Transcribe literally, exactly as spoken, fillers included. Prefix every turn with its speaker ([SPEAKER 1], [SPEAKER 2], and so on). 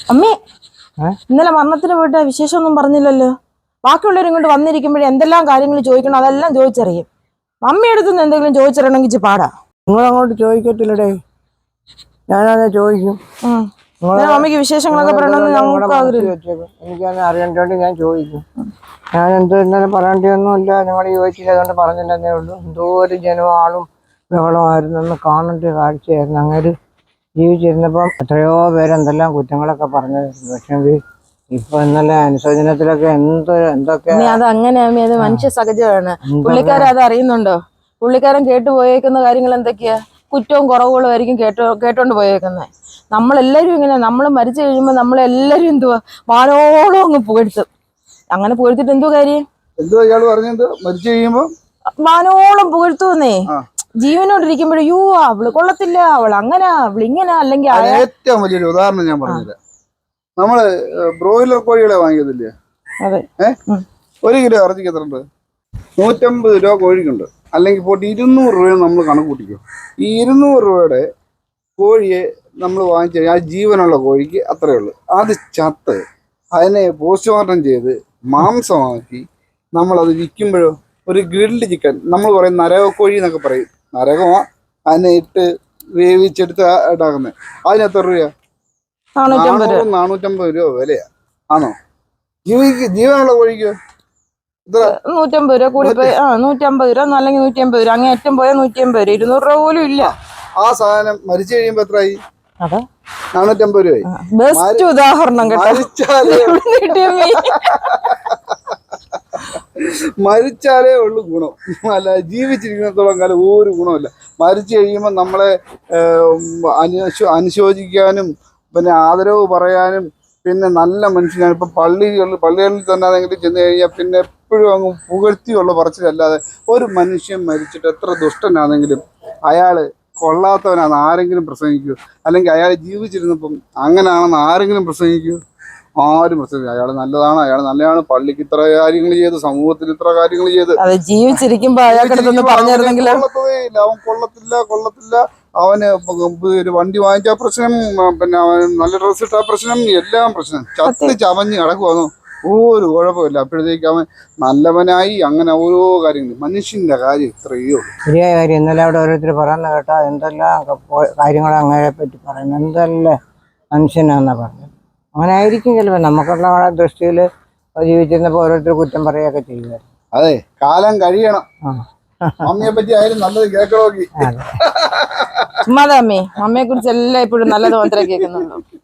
[SPEAKER 1] അമ്മേ, ഇന്നലെ മരണത്തിന് പോയിട്ട് വിശേഷമൊന്നും പറഞ്ഞില്ലല്ലോ. ബാക്കിയുള്ളവരും ഇങ്ങോട്ട് വന്നിരിക്കുമ്പോഴേ എന്തെല്ലാം കാര്യങ്ങൾ ചോദിക്കണം അതെല്ലാം ചോദിച്ചറിയും. മമ്മി അടുത്തുനിന്ന് എന്തെങ്കിലും ചോദിച്ചറിയണമെങ്കിൽ പാടാ.
[SPEAKER 2] നിങ്ങളങ്ങോട്ട് ചോദിക്കത്തില്ലടേ, ഞാനത് ചോദിക്കും.
[SPEAKER 1] മമ്മിക്ക് വിശേഷങ്ങളൊക്കെ പറയണമെന്ന് ഞങ്ങൾക്ക് ആഗ്രഹം.
[SPEAKER 2] എനിക്കത് അറിയേണ്ടതുകൊണ്ട് ഞാൻ ചോദിക്കും. ഞാൻ എന്തോ ഇന്നലെ പറയേണ്ടതൊന്നുമില്ല, നിങ്ങൾ ചോദിച്ചില്ല, അതുകൊണ്ട് പറഞ്ഞില്ലെന്നേ ഉള്ളൂ. എന്തോ ഒരു ജനവാളും ബഹളമായിരുന്നു, ഒന്ന് കാണേണ്ട കാഴ്ചയായിരുന്നു. അങ്ങനെ ജീവിച്ചിരുന്നപ്പം എത്രയോ പേരെന്തെല്ലാം കുറ്റങ്ങളൊക്കെ പറഞ്ഞായിരുന്നു. പക്ഷെ ഇപ്പൊ ഇന്നലെ അനുശോചനത്തിലൊക്കെ എന്തോ എന്തൊക്കെ
[SPEAKER 1] അത് അങ്ങനെ അത് മനുഷ്യ സഹജമാണ്. പുള്ളിക്കാരൻ അത് അറിയുന്നുണ്ടോ? പുള്ളിക്കാരൻ കേട്ടു പോയേക്കുന്ന കാര്യങ്ങൾ എന്തൊക്കെയാ? കുറ്റവും കുറവുകളും ആയിരിക്കും കേട്ടോ കേട്ടോണ്ട് പോയേക്കുന്നത്. നമ്മളെല്ലാരും ഇങ്ങനെ, നമ്മൾ മരിച്ചു കഴിയുമ്പോ നമ്മളെല്ലാരും എന്തുവാ വാനോളം അങ്ങ് പുകഴ്ത്തും. അങ്ങനെ പുകഴ്ത്തിട്ട് എന്തോ കാര്യം?
[SPEAKER 3] എന്തോ ഇയാള് പറഞ്ഞത് മരിച്ചു കഴിയുമ്പോ
[SPEAKER 1] വാനോളം പുകഴ്ത്തുന്നേ. ജീവനോടിരിക്കുമ്പോഴേ യോ അവള് കൊള്ളത്തില്ല, അവൾ അങ്ങനെ അവൾ ഇങ്ങനെ. അല്ലെങ്കിൽ
[SPEAKER 3] ഏറ്റവും വലിയൊരു ഉദാഹരണം ഞാൻ പറഞ്ഞുതരാം. നമ്മള് ബ്രോയിലർ കോഴികളെ വാങ്ങിയതില്ലേ?
[SPEAKER 1] അതെ.
[SPEAKER 3] ഏഹ് ഒരു കിലോ ഇറച്ചിക്ക് എത്രണ്ട്? നൂറ്റമ്പത് രൂപ കോഴിക്കുണ്ട്. അല്ലെങ്കിൽ പോയിട്ട് ഇരുന്നൂറ് രൂപ നമ്മൾ കണക്ക് കൂട്ടിക്കും. ഈ ഇരുന്നൂറ് രൂപയുടെ കോഴിയെ നമ്മൾ വാങ്ങിച്ചു കഴിഞ്ഞാൽ ആ ജീവനുള്ള കോഴിക്ക് അത്രയേ ഉള്ളൂ. അത് ചത്ത് അതിനെ പോസ്റ്റ്മോർട്ടം ചെയ്ത് മാംസമാക്കി നമ്മളത് വിൽക്കുമ്പോഴോ ഒരു ഗ്രിൽഡ് ചിക്കൻ, നമ്മൾ പറയും നരകക്കോഴി എന്നൊക്കെ പറയും, നരകമാ അതിനെ ഇട്ട് വേവിച്ചെടുത്ത് ഇടാക്കുന്നത്. അതിന് എത്ര രൂപ? നാനൂറ് നാനൂറ്റമ്പത് രൂപ വിലയാ. ആണോ? ജീവിക്ക് ജീവനുള്ള കോഴിക്കോ
[SPEAKER 1] നൂറ്റമ്പത് രൂപ കൂടി പോയി. ആ നൂറ്റമ്പത് രൂപ അല്ലെങ്കിൽ നൂറ്റി അമ്പത് രൂപ, അങ്ങനെ ഏറ്റവും പോയാൽ നൂറ്റി അമ്പത് രൂപ. ഇരുന്നൂറ് രൂപ പോലും ഇല്ല.
[SPEAKER 3] ആ സാധനം മരിച്ചു കഴിയുമ്പോ എത്രയായി? നാനൂറ്റമ്പത് രൂപയായി.
[SPEAKER 1] ബെസ്റ്റ് ഉദാഹരണം.
[SPEAKER 3] മരിച്ചാലേ മരിച്ചാലേ ഉള്ളു ഗുണം, അല്ല ജീവിച്ചിരിക്കുന്നിടത്തോളം കാലം ഒരു ഗുണമില്ല. മരിച്ചു കഴിയുമ്പോൾ നമ്മളെ അനുശോ അനുശോചിക്കാനും പിന്നെ ആദരവ് പറയാനും പിന്നെ നല്ല മനുഷ്യനാണ്. ഇപ്പം പള്ളികളിൽ പള്ളികളിൽ തന്നെ ആണെങ്കിലും ചെന്ന് കഴിഞ്ഞാൽ പിന്നെ എപ്പോഴും അങ്ങ് പുകഴ്ത്തിയുള്ള പറച്ചിലല്ലാതെ ഒരു മനുഷ്യൻ മരിച്ചിട്ട് എത്ര ദുഷ്ടനാണെങ്കിലും അയാൾ കൊള്ളാത്തവനാണെന്ന് ആരെങ്കിലും പ്രസംഗിക്കൂ? അല്ലെങ്കിൽ അയാൾ ജീവിച്ചിരുന്നപ്പം അങ്ങനെയാണെന്ന് ആരെങ്കിലും പ്രസംഗിക്കൂ? ആരും പ്രസംഗിക്കും. അയാൾ നല്ലതാണ്, അയാൾ നല്ലതാണ്, പള്ളിക്ക് ഇത്ര കാര്യങ്ങൾ ചെയ്ത്, സമൂഹത്തിന് ഇത്ര കാര്യങ്ങൾ ചെയ്ത്.
[SPEAKER 1] ജീവിച്ചിരിക്കുമ്പോ
[SPEAKER 3] കൊള്ളത്തതേ ഇല്ല, അവൻ കൊള്ളത്തില്ല കൊള്ളത്തില്ല അവന് ഒരു വണ്ടി വാങ്ങിച്ചാ പ്രശ്നം, പിന്നെ അവൻ നല്ല ഡ്രസ്സ് ഇട്ടാ പ്രശ്നം, എല്ലാം പ്രശ്നം. ചത്ത് ചവഞ്ഞ് കിടക്കുവാന്നോ ഒരു കുഴപ്പമില്ല. അപ്പോഴത്തേക്ക് അവൻ നല്ലവനായി. അങ്ങനെ ഓരോ കാര്യങ്ങൾ. മനുഷ്യന്റെ കാര്യം ഇത്രയേ ഉള്ളൂ.
[SPEAKER 2] ശരിയായ കാര്യം. ഇന്നലെ അവിടെ ഓരോരുത്തർ പറയുന്ന കേട്ടാ എന്തെല്ലാം കാര്യങ്ങൾ അങ്ങനെ പറ്റി പറയുന്നത്. എന്തെല്ലാം മനുഷ്യനാന്നാ പറഞ്ഞത്. അങ്ങനെ ആയിരിക്കും ചിലപ്പോൾ. നമുക്കുള്ള ദൃഷ്ടിയിൽ ജീവിച്ചിരുന്നപ്പോൾ ഓരോരുത്തർ കുറ്റം പറയുകയൊക്കെ ചെയ്യുമായിരുന്നു.
[SPEAKER 3] അതെ, കാലം കഴിയണം. മമ്മിയെ പറ്റി ആയാലും നല്ലത് കേൾക്കണോക്കി.
[SPEAKER 1] ചുമ്മാതെ അമ്മേ, മമ്മിയെ കുറിച്ച് എല്ലാം ഇപ്പോഴും നല്ലത് മാത്രമേ കേൾക്കുന്നുള്ളൂ.